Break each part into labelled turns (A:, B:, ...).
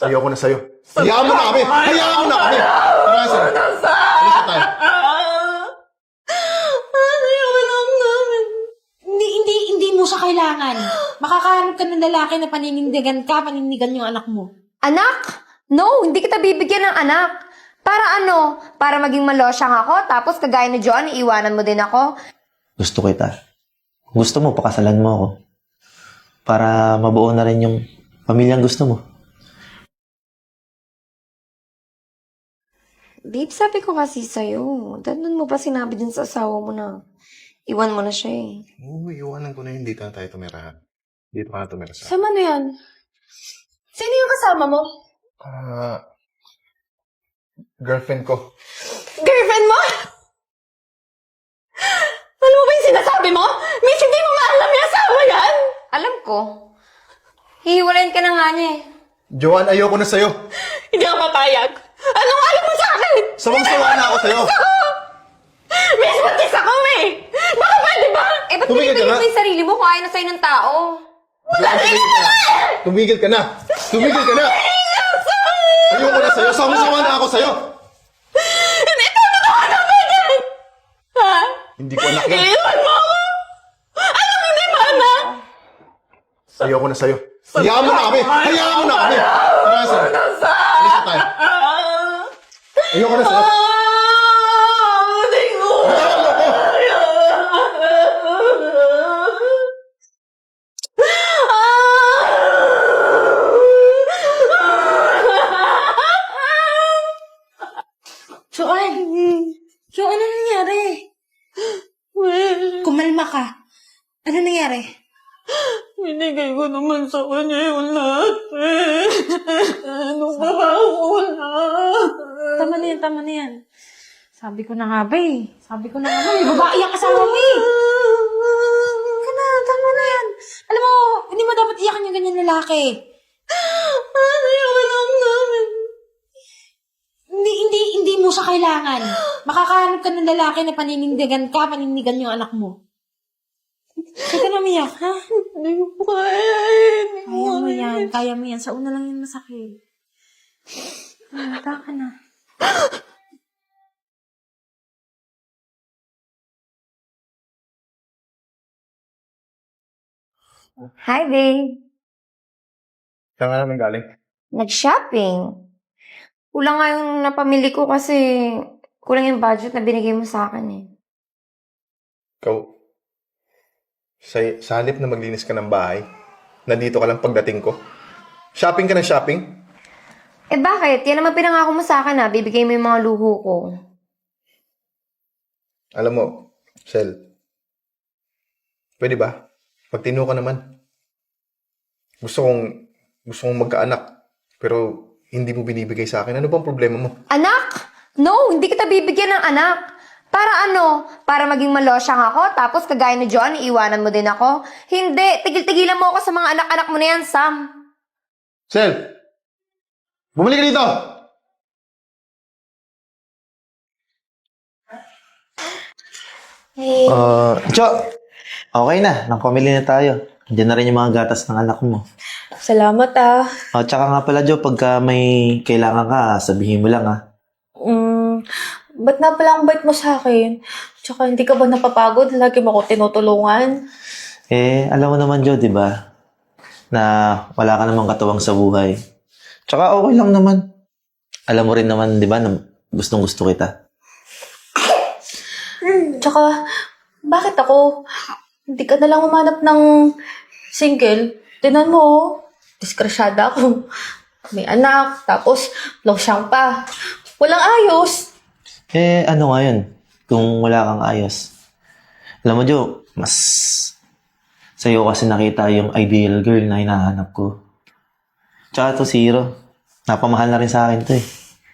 A: Ayoko na sa'yo. Hayaan mo na kami! Hayaan mo na kami! Tara, sir. Alis na tayo.
B: Ayaw lang namin. Hindi mo siya kailangan. Makakahanap ka ng lalaki na paninigan yung anak mo.
C: Anak? No, hindi kita bibigyan ng anak. Para ano? Para maging malosyang ako, tapos kagaya ni John, iiwanan mo din ako?
D: Gusto kita. Kung gusto mo, pakasalan mo ako. Para mabuo na rin yung pamilyang gusto mo.
C: Babe, sabi ko kasi sa'yo. Doon mo pa sinabi din sa asawa mo na iwan mo na siya eh.
A: Oo, iwanan ko na yun. Dito na tayo tumira. Dito ka na tumira sa...
B: Sama na yan. Sino yung kasama mo?
A: Girlfriend ko.
B: Girlfriend mo? Alam mo ba yung sinasabi mo? Miss, hindi mo maalam yung asawa yan!
C: Alam ko. Hihiwalayin ka na nga niya eh.
A: Joanne, ayoko na sa'yo.
B: Hindi ako papayag. Anong alam mo sa akin?
A: Sawang-sawa na ako sa'yo.
B: Miss, buntis ako eh! Baka pwede ba?
C: Eh, ba't
A: Tumigil ka
C: pinipilit
A: na.
C: mo yung sarili mo kung ayaw na sa'yo ng tao?
A: Tumigil ka na. Tumigil ka na. Ayoko na sa'yo. Sawang-sawa na ako sa'yo.
B: Hindi, tama ka naman yan! Ha?
A: Hindi ko anak yan.
B: Iiwan mo ako! Alam mo, hindi ba anak?
A: Ayoko na sa'yo. Hayaan mo na kami. Hayaan mo na kami. Tara, sir. Alis na tayo. Ayoko na sa'yo.
B: Hindi ko!
A: Bitawan mo ako.
B: So, ano nangyari? Kumalma ka. Ano nangyari?
E: Binigay ko naman sa kanya yung lahat eh. Ano ba wala?
B: Tama na yan. Sabi ko na nga ba eh. Sabi ko na nga ba eh. Babae ang asawa mo eh. Tama na yan. Alam mo, hindi mo dapat iyakan yung ganyan lalaki.
E: Ayaw lang namin.
B: Hindi mo siya kailangan. Makakahanap ka ng lalaki na paninigan yung anak mo. Sige na umiyak, ha?
E: Hindi ko po kaya.
B: Kaya mo yan. Sa una lang yung masakit. Mata ka na.
C: Hi, babe.
A: Saan nga naman galing?
C: Nag-shopping. Kulang nga yung napamili ko kasi kulang yung budget na binigay mo sa akin eh.
A: Ikaw, sa halip na maglinis ka ng bahay, nandito ka lang pagdating ko. Shopping ka ng shopping?
C: Eh bakit? Yan naman pinangako mo sa akin na bibigay mo yung mga luho ko.
A: Alam mo, Sel, pwede ba? Pagtino ka naman. Gusto kong magkaanak, pero hindi mo binibigay sa akin. Ano bang problema mo?
C: Anak? No, hindi kita bibigyan ng anak. Para ano? Para maging malosyang ako, tapos kagaya ni John, iiwanan mo din ako? Hindi, tigil-tigilan mo ako sa mga anak-anak mo na yan, Sam.
A: Sel! Bumalik ka dito!
C: Hey.
D: Jo, okay na. Pamili na tayo. Diyan na rin yung mga gatas ng anak mo.
E: Salamat ah.
D: Tsaka nga pala, Jo, pagka may kailangan ka, sabihin mo lang, ha?
E: Ba't na pala ang bait mo sa akin? Tsaka hindi ka ba napapagod? Lagi mo ako tinutulungan.
D: Alam mo naman, Jo, di ba? Na wala ka namang katuwang sa buhay. Tsaka okay lang naman. Alam mo rin naman, di ba, na gustong-gusto kita.
E: Tsaka, bakit ako? Hindi ka na lang umanap ng single. Tinan mo, oh. Diskrasyada ako. May anak, tapos losyang pa. Walang ayos.
D: Ano nga yun? Kung wala kang ayos. Alam mo, Jo, mas sa'yo kasi nakita yung ideal girl na hinahanap ko. Tsaka to si Hiro. Napamahal na rin sa akin to eh.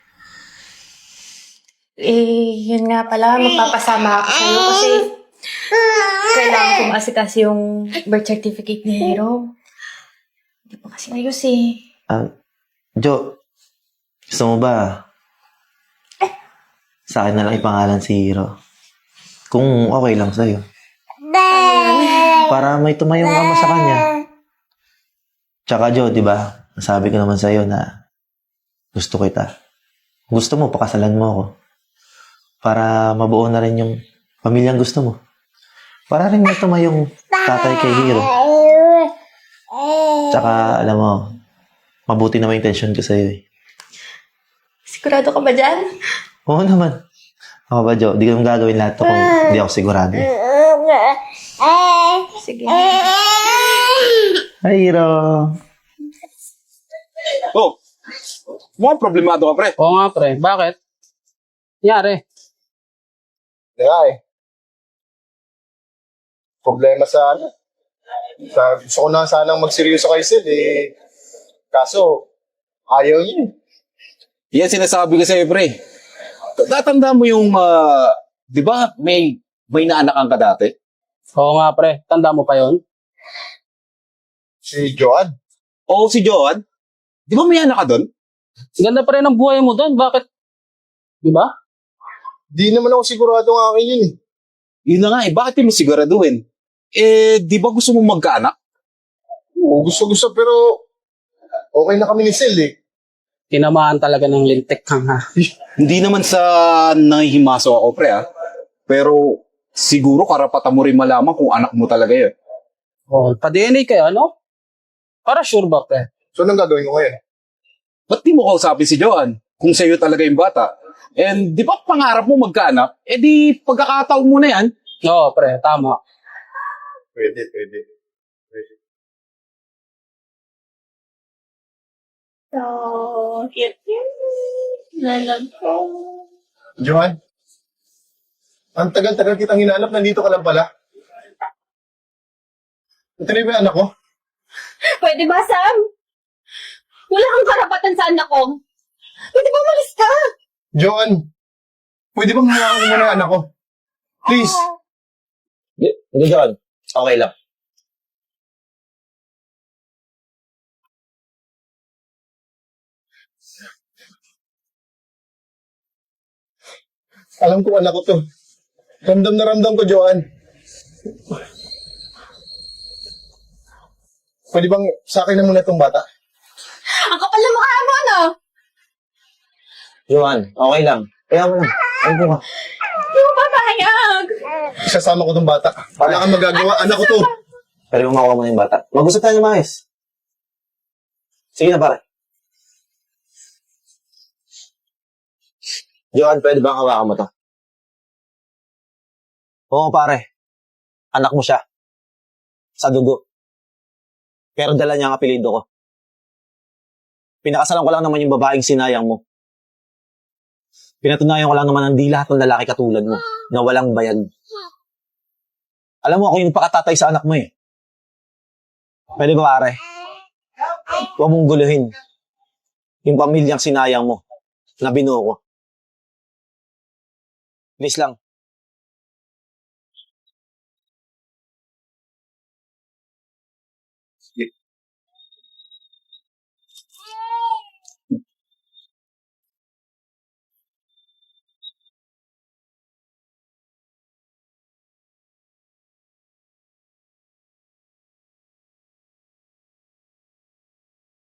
E: Yun nga pala, magpapasama ako sa'yo kasi kailangan ko maasikas yung birth certificate ni Hero. Hindi pa kasi ayos eh.
D: Jo, gusto mo ba? Sa akin na lang ipangalan si Hiro. Kung okay lang sa'yo. Para may tumayong ama sa kanya. Tsaka Jo, di ba? Nasabi ko naman sa'yo na Gusto kita. Gusto mo, pakasalan mo ako. Para mabuo na rin yung pamilyang gusto mo. Para rin matuma yung tatay kay Hiro. Tsaka, alam mo, mabuti naman yung intention ko sa'yo eh.
E: Sigurado ka ba dyan?
D: Oo naman. Ako ba, Jo? Di ko gagawin lahat to kung di ako sigurado eh.
E: Sige.
D: Hi, Hiro.
F: Oh, mukhang problemado ka, pre.
G: Oo nga, pre. Bakit? Nangyari?
A: Kaya problema sa ano. Gusto ko na sanang magseryoso kay Sil eh. Kaso, ayaw niya eh.
F: Yan sinasabi ko sa'yo, pre. Tatanda mo yung, di ba, may naanakan ka dati?
G: Oo nga, pre. Tanda mo pa yon?
A: Si Joan.
F: Oo, si Joan. Di ba may anak ka doon?
G: Ganda pa rin ang buhay mo doon. Bakit? Di ba?
A: Di naman ako sigurado ng akin yun eh.
F: Yun na nga eh, bakit mo siguraduhin? Di ba gusto mong magkaanak?
A: Oo, gusto pero okay na kami ni Sil eh.
G: Tinamaan talaga ng lintik kang ha.
F: Hindi naman sa nangihimaso ako, pre, Pero siguro karapatan mo rin malaman kung anak mo talaga yun.
G: Oo, pa-DNA kayo, ano? Para sure ba, pre?
A: So, anong gagawin ko ngayon?
F: Ba't di mo kausapin si Joan kung sa'yo talaga yung bata? And di ba pangarap mo magkaanak? Di pagkakataon mo na yan.
G: Oo, pre. Tama.
A: Pwede. Joan, ang tagal-tagal kitang hinanap, nandito ka lang pala. Ito na yung anak ko.
E: Pwede ba, Sam? Wala kang karapatan sa anak ko. Pwede ba umalis ka?
A: Joan, pwede bang hawakan mo muna yung anak ko? Please.
D: Hindi, John. Okay lang.
A: Alam ko anak ko to. Ramdam na ramdam ko, Joan. Pwede bang sa akin na muna itong bata?
E: Ang kapal na mukha mo, ano?
D: Johan, okay lang. Kaya mo lang. Ay, ko ka.
E: Hindi mo papayag.
A: Isasama ko itong bata. Wala kang magagawa. Anak ko to.
D: Pero makuha mo na yung bata. Mag-usap tayo ng maayos. Sige na, pare. Johan, pwede bang hawakan mo to? Oo, pare. Anak mo siya. Sa dugo. Pero dala niya ang apelido ko. Pinakasalan ko lang naman yung babaeng sinayang mo. Pinatunayan ko lang naman ang di lahat ng lalaki katulad mo na walang bayad. Alam mo, ako yung pakatatay sa anak mo eh. Pwede ba, pare? Huwag mong guluhin yung pamilyang sinayang mo na binuo ko. Please lang.